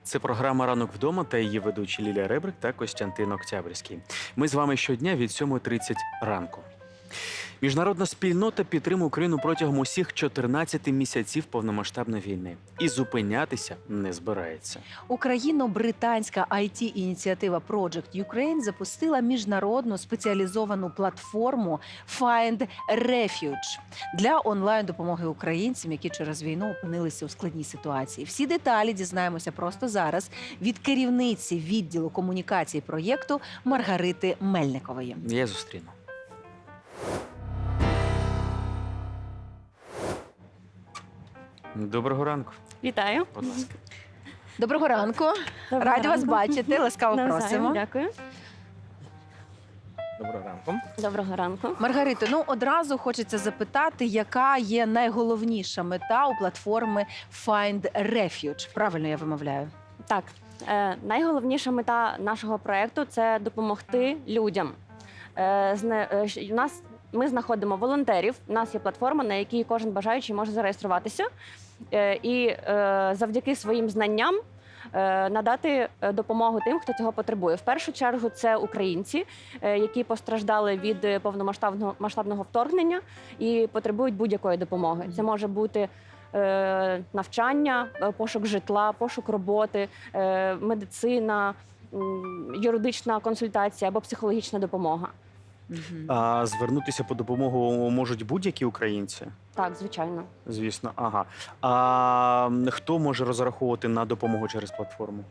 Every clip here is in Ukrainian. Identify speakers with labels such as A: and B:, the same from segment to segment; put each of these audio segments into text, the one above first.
A: Це програма «Ранок вдома» та її ведучі Лілія Ребрик та Костянтин Октябрьський. Ми з вами щодня від 7:30 ранку. Міжнародна спільнота підтримує Україну протягом усіх 14 місяців повномасштабної війни. І зупинятися не збирається.
B: Україно-британська IT-ініціатива Project Ukraine запустила міжнародну спеціалізовану платформу Find Refuge для онлайн-допомоги українцям, які через війну опинилися у складній ситуації. Всі деталі дізнаємося просто зараз від керівниці відділу комунікації проєкту Маргарити Мельникової.
A: Я зустріну. Доброго ранку,
C: Вітаю.
A: будь ласка.
B: Доброго ранку.
C: Доброго
B: Раді вас
C: ранку.
B: бачити. Ласкаво
C: Навзаєм,
B: просимо.
C: Дякую.
A: Доброго ранку.
C: Доброго ранку.
B: Маргарито, ну одразу хочеться запитати, яка є найголовніша мета у платформи Find Refuge? Правильно я вимовляю?
C: Так, найголовніша мета нашого проєкту – це допомогти людям. Ми знаходимо волонтерів, у нас є платформа, на якій кожен бажаючий може зареєструватися і завдяки своїм знанням надати допомогу тим, хто цього потребує. В першу чергу це українці, які постраждали від повномасштабного вторгнення і потребують будь-якої допомоги. Це може бути навчання, пошук житла, пошук роботи, медицина, юридична консультація або психологічна допомога.
A: А звернутися по допомогу можуть будь-які українці?
C: Так, звичайно.
A: Звісно, ага. А хто може розраховувати на допомогу через платформу?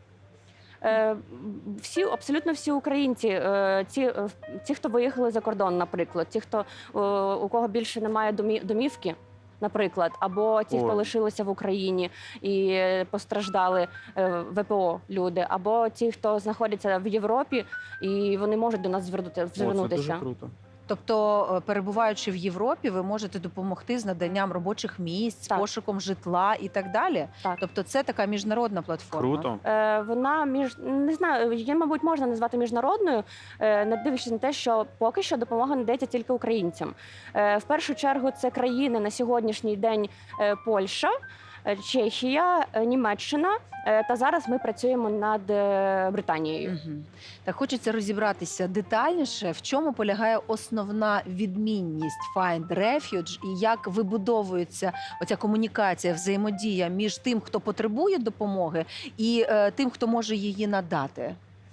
C: Абсолютно всі українці, ті, хто виїхали за кордон, наприклад, ті, у кого більше немає домівки, наприклад, або ті, хто лишилися в Україні і постраждали, ВПО люди, або ті, хто знаходяться в Європі, і вони можуть до нас звернутися.
A: Це дуже круто.
B: Тобто, перебуваючи в Європі, ви можете допомогти з наданням робочих місць,
C: Так.
B: пошуком житла і так далі?
C: Так.
B: Тобто це така міжнародна платформа?
A: Круто.
C: Вона не знаю, її, мабуть, можна назвати міжнародною, не дивлячись на те, що поки що допомога надається тільки українцям. В першу чергу це країни на сьогоднішній день Польща, Чехія, Німеччина, та зараз ми працюємо над Британією.
B: Угу. Так хочеться розібратися детальніше, в чому полягає основна відмінність Find Refuge і як вибудовується оця комунікація, взаємодія між тим, хто потребує допомоги, і тим, хто може її надати.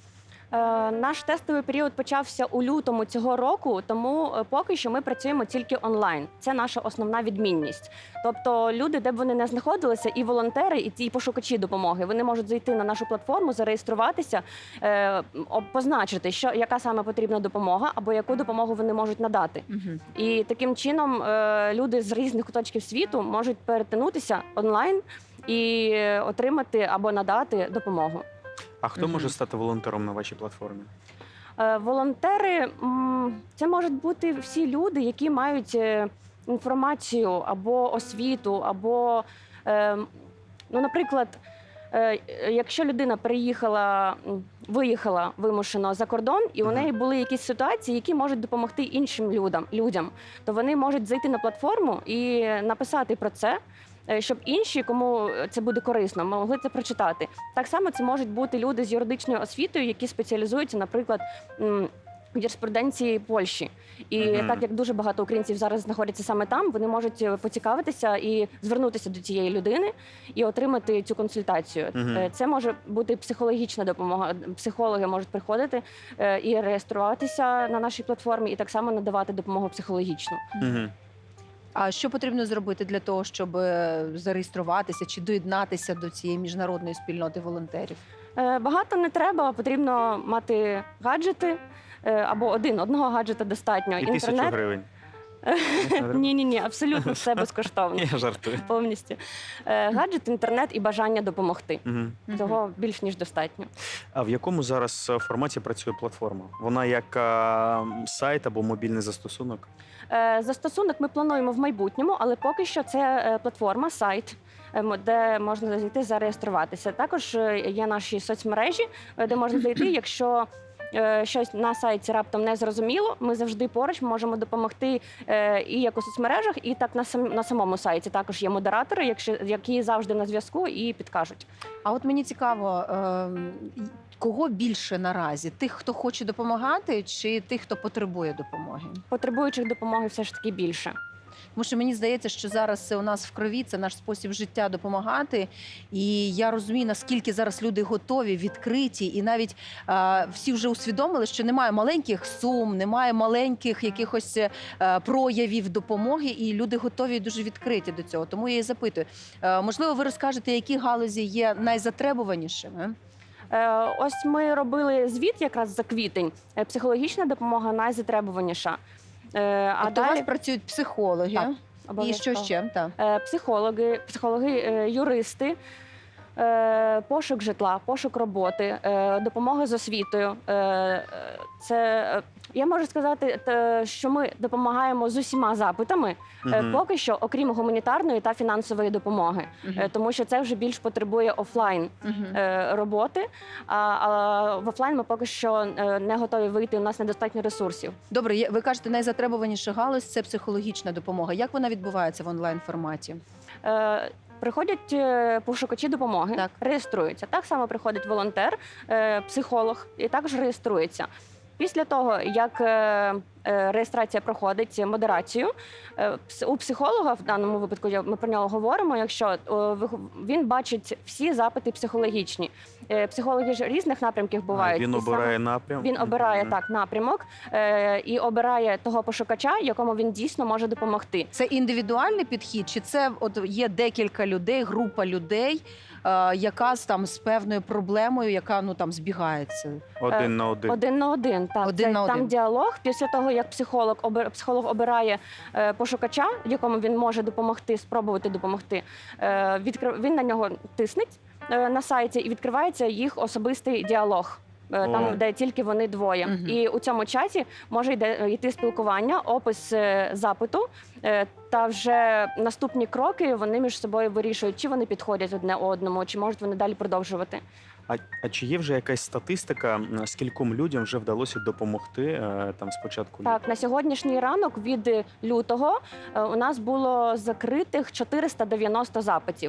C: Наш тестовий період почався у лютому цього року, тому поки що ми працюємо тільки онлайн. Це наша основна відмінність. Тобто люди, де б вони не знаходилися, і волонтери, і ті пошукачі допомоги, вони можуть зайти на нашу платформу, зареєструватися, позначити, яка саме потрібна допомога, або яку допомогу вони можуть надати.
B: Угу.
C: І таким чином люди з різних куточків світу можуть перетинутися онлайн і отримати або надати допомогу.
A: А хто може стати волонтером на вашій платформі?
C: Волонтери – це можуть бути всі люди, які мають інформацію або освіту, або, наприклад, якщо людина виїхала вимушено за кордон, і у неї були якісь ситуації, які можуть допомогти іншим людям, то вони можуть зайти на платформу і написати про це, щоб інші, кому це буде корисно, могли це прочитати. Так само це можуть бути люди з юридичною освітою, які спеціалізуються, наприклад, в юриспруденції Польщі. І так як дуже багато українців зараз знаходяться саме там, вони можуть поцікавитися і звернутися до цієї людини і отримати цю консультацію. Це може бути психологічна допомога. Психологи можуть приходити і реєструватися на нашій платформі, і так само надавати допомогу психологічну.
B: А що потрібно зробити для того, щоб зареєструватися чи доєднатися до цієї міжнародної спільноти волонтерів?
C: Багато не треба, потрібно мати гаджети, або одного гаджета достатньо.
A: І 1000 гривень.
C: Ні, абсолютно все безкоштовно.
A: Я жартую.
C: Повністю. Гаджет, інтернет і бажання допомогти. Цього більш ніж достатньо.
A: А в якому зараз форматі працює платформа? Вона як сайт або мобільний застосунок?
C: Застосунок ми плануємо в майбутньому, але поки що це платформа, сайт, де можна зайти зареєструватися. Також є наші соцмережі, де можна зайти, якщо щось на сайті раптом не зрозуміло, ми завжди поруч можемо допомогти і як у соцмережах, і так на самому сайті. Також є модератори, які завжди на зв'язку і підкажуть.
B: А от мені цікаво, кого більше наразі? Тих, хто хоче допомагати, чи тих, хто потребує допомоги?
C: Потребуючих допомоги все ж таки більше.
B: Тому що мені здається, що зараз це у нас в крові, це наш спосіб життя допомагати. І я розумію, наскільки зараз люди готові, відкриті, і навіть всі вже усвідомили, що немає маленьких сум, немає маленьких якихось проявів допомоги, і люди готові і дуже відкриті до цього. Тому я і запитую, можливо, ви розкажете, які галузі є найзатребуванішими?
C: Ось ми робили звіт якраз за квітень. Психологічна допомога найзатребуваніша.
B: Тобто у вас працюють психологи,
C: Так,
B: і що
C: обов'язково.
B: ще? Так.
C: Психологи, юристи, пошук житла, пошук роботи, допомога з освітою. Я можу сказати, що ми допомагаємо з усіма запитами, поки що, окрім гуманітарної та фінансової допомоги, тому що це вже більш потребує офлайн роботи, а в офлайн ми поки що не готові вийти, у нас недостатньо ресурсів.
B: Добре, ви кажете, найзатребуваніша галузь – це психологічна допомога. Як вона відбувається в онлайн-форматі?
C: Приходять пошукачі допомоги,
B: Так.
C: реєструються. Так само приходить волонтер, психолог і також реєструється. Після того, як реєстрація проходить модерацію, у психолога, в даному випадку ми про нього говоримо, якщо він бачить всі запити психологічні. Психологи ж різних напрямків бувають.
A: Він
C: і
A: обирає
C: саме
A: напрям?
C: Він обирає так напрямок і обирає того пошукача, якому він дійсно може допомогти.
B: Це індивідуальний підхід, чи це от є декілька людей, група людей, яка там з певною проблемою, яка там збігається?
A: Один на один.
C: Один на один, так.
B: Один на один.
C: Там діалог. Після того, як психолог обирає пошукача, якому він може допомогти, спробувати допомогти, він на нього тиснеть на сайті і відкривається їх особистий діалог. Там, де тільки вони двоє. І у цьому чаті може йти спілкування, опис запиту, та вже наступні кроки вони між собою вирішують, чи вони підходять одне одному, чи можуть вони далі продовжувати.
A: А чи є вже якась статистика, скільком людям вже вдалося допомогти там спочатку?
C: Так, на сьогоднішній ранок від лютого у нас було закритих 490 запитів.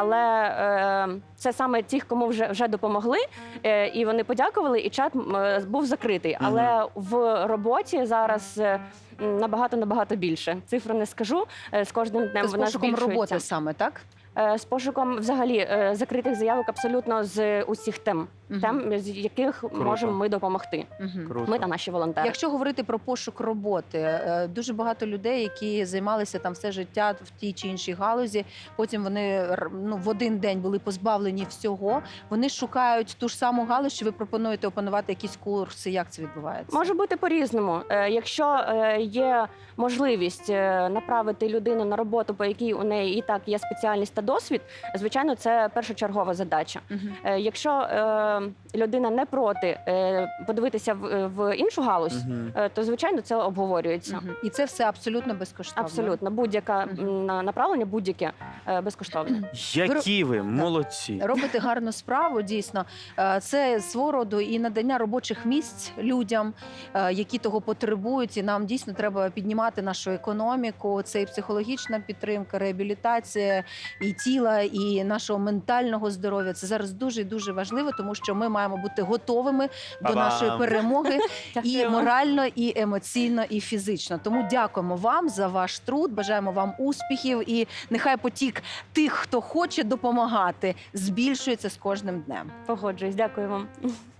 C: Але це саме тих, кому вже допомогли, і вони подякували, і чат був закритий. Але в роботі зараз набагато більше. Цифру не скажу, з кожним днем
B: Це з
C: вона
B: пошуком
C: збільшується.
B: роботи саме, так?
C: З пошуком взагалі закритих заявок абсолютно з усіх тем, з яких
A: Круто.
C: можемо ми допомогти.
A: Круто.
C: Ми та наші волонтери.
B: Якщо говорити про пошук роботи, дуже багато людей, які займалися там все життя в тій чи іншій галузі, потім вони в один день були позбавлені всього, вони шукають ту ж саму галузь, що ви пропонуєте опанувати якісь курси, як це відбувається?
C: Може бути по-різному. Якщо є можливість направити людину на роботу, по якій у неї і так є спеціальність та досвід, звичайно, це першочергова задача. Якщо людина не проти подивитися в іншу галузь, то, звичайно, це обговорюється.
B: І це все абсолютно безкоштовно?
C: Абсолютно. Будь-яке направлення, будь-яке безкоштовне.
A: Які ви молодці!
B: Робите гарну справу, дійсно. Це свого роду і надання робочих місць людям, які того потребують. І нам дійсно треба піднімати нашу економіку. Це і психологічна підтримка, реабілітація і тіла, і нашого ментального здоров'я. Це зараз дуже важливо, тому що ми маємо бути готовими до нашої перемоги і морально, і емоційно, і фізично. Тому дякуємо вам за ваш труд, бажаємо вам успіхів, і нехай потік тих, хто хоче допомагати, збільшується з кожним днем.
C: Погоджуюсь. Дякую вам.